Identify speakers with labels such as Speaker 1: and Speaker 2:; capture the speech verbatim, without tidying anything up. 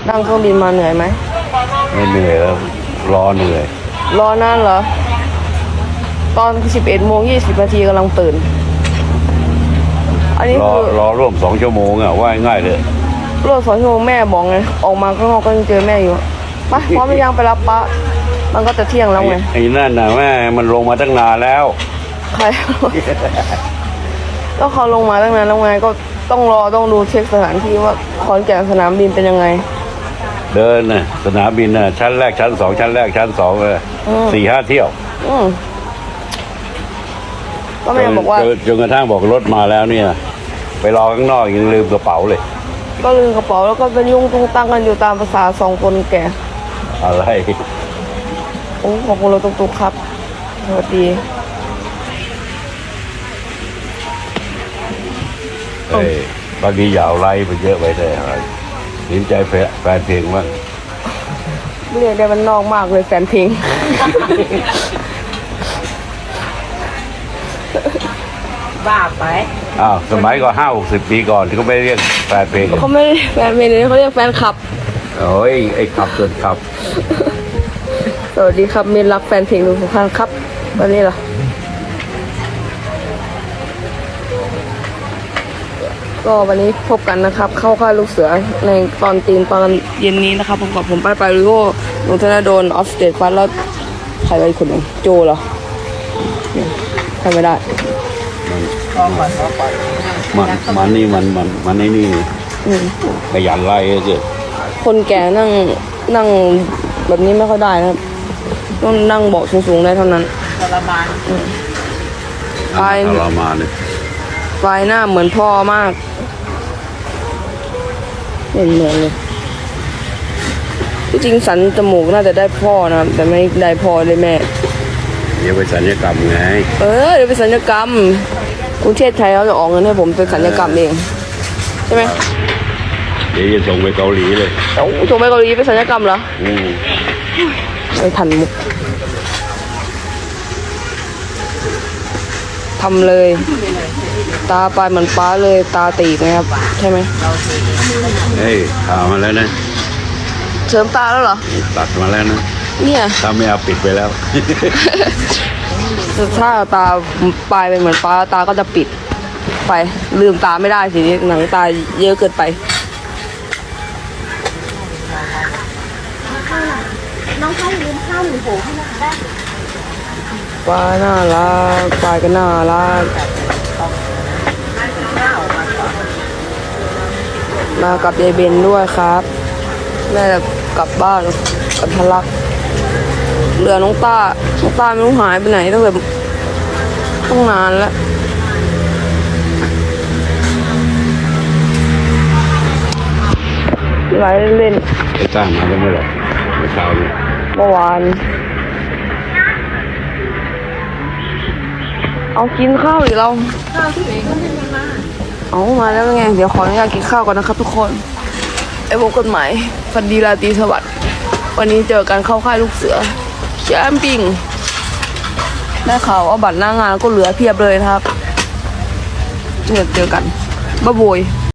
Speaker 1: นั่งเครื่องบินมาเหนื่อยไหม
Speaker 2: ไม่เหนื่อยแล้วรอเหนื่อย
Speaker 1: รอนานเหรอตอนสิบเอ็ดโมงยี่สิบนาทีกำลังตื่นอันนี้
Speaker 2: รอ
Speaker 1: คือ
Speaker 2: รอร่วมสองชั่วโมงอ่ะว่าง่ายเลย
Speaker 1: รถสองชั่วโมงแม่บอกไงออกมาข้างนอกก็ยังเจอแม่อยู่ไปพร้อมยังไปรับปะมันก็จะเที่ยงแล้วไง
Speaker 2: ไอ้นั่นน่ะแม่มันลงมาตั้งนานแล้ว
Speaker 1: ใครก็เขาลงมาตั้งนานแล้วไงก็ต้องรอต้องดูเช็คสถานที่ว่าขอนแก่นสนามบินเป็นยังไง
Speaker 2: เดินน่ะสนามบินน่ะชั้นแรกชั้นสองชั้นแรกชั้นสองเลยสี่ห้าเที่ยว
Speaker 1: อืมก็แม่บอกว่า
Speaker 2: จนกระทั่งบอกรถมาแล้วเนี่ยไปรอข้างนอกยังลืมกระเป๋าเลย
Speaker 1: ก็ลืมกระเป๋าแล้วก็เป็นยุ่งตุ้งตั้งกันอยู่ตามภาษาสองคนแก่
Speaker 2: อะไร
Speaker 1: โอ้ขอบคุณเราตุ๊กๆครับสวัสดี
Speaker 2: เอ้ยบางทียาวไล่ไปเยอะไปได้อะไรสนใจแฟนเพลงบ้าง
Speaker 1: เรียกได้มันนอกมากเลยแฟนเพลง
Speaker 3: บ้าไป
Speaker 2: อ้าวสมัยก่อนห้าหกสิบปีก่อนที่เขาไม่เรียกแฟนเพลง
Speaker 1: เขาไม่แฟนเพลงเลยเขาเรียกแฟนคลับ
Speaker 2: โอ้ยไอ้ขับจนขับ
Speaker 1: สวัสดีครับเมนรักแฟนเพลงทุกท่านครับวันนี้ล่ะก็วันนี้พบกันนะครับเข้าค่ายลูกเสือในตอนตีนตอนเย็นนี้นะครับผมกับผมไปไปริโอหนูธนาโดนออฟสเตทฟัสแล้วใครไปคนหนึ่งโจเหรอใครไม่ได้
Speaker 2: มันมันนี่มันมันมันนี่นี่ขยันไล่เกิด
Speaker 1: คนแก่นั่งนั่งแบบนี้ไม่ค่อยได้นะครับต้องนั่งเบาะสูงๆได้เท่านั้น
Speaker 3: ทรมาน
Speaker 1: ปลาย
Speaker 2: ทรมานเลย
Speaker 1: ปลายหน้าเหมือนพ่อมากเหมือนเหมือนเลยที่จริงสันจมูกน่าจะได้พ่อนะแต่ไม่ได้พ่อได้แม่
Speaker 2: เดี๋ยวไปสัญญกรรมไง
Speaker 1: เออเดี๋ยวไปสัญญกรรมกรุงเทพไทยเขาจะออกเงินให้ผมไปสัญญกรรมเองใช่ไหม
Speaker 2: เดี๋ยวจะส่งไปเกาหลีเลย
Speaker 1: ส่งไปเกาหลีไปสัญญกรรมเหรอ
Speaker 2: อืม
Speaker 1: ไม่ทันมุกทำเลยตาปลายเหมือนป้าเลยตาตีบนะครับใช่ไหม
Speaker 2: เฮ้ยข่าวมาแล้วนะ
Speaker 1: เสริมตาแล้วเหรอ
Speaker 2: ตัดมาแล้วนะ
Speaker 1: เนี่ย
Speaker 2: ถ้าไม่เอาปิดไปแล้ว
Speaker 1: ถ้าตาปลายเป็นเหมือนป้าตาก็จะปิดไปลืมตาไม่ได้สิหนังตาเยอะเกินไป
Speaker 3: น้องเขาลืมข้าวหมูโหให้นะคะ
Speaker 1: ปลาน่ารักปลาก็น่ารักมากับยายเบนด้วยครับแม่จะกลับบ้านกับทะลักเหลือน้องต้าน้องต้าไม่รู้หายไปไหนตั้งแต่ต้องนานแล้วไหลเล่น
Speaker 2: ไอ้ต้ามาแล้วเมื่อไหร่เมื่อเช้าเนี่ย
Speaker 1: เมื่อวานเอากินข้าวหรือเรา
Speaker 3: ข้าวที่ไหนก็ไม่มา
Speaker 1: เอามาแล้วไงเดี๋ยวขออนุญาตกินข้าวก่อนนะครับทุกคนไอ้พวกกฎหมายฟันดีราตรีสวัสดิ์วันนี้เจอกันเข้าค่ายลูกเสือแคมปิ้งได้ข่าวว่าบัตรหน้างานก็เหลือเพียบเลยนะครับเจอเจอกันบ๊ายบาย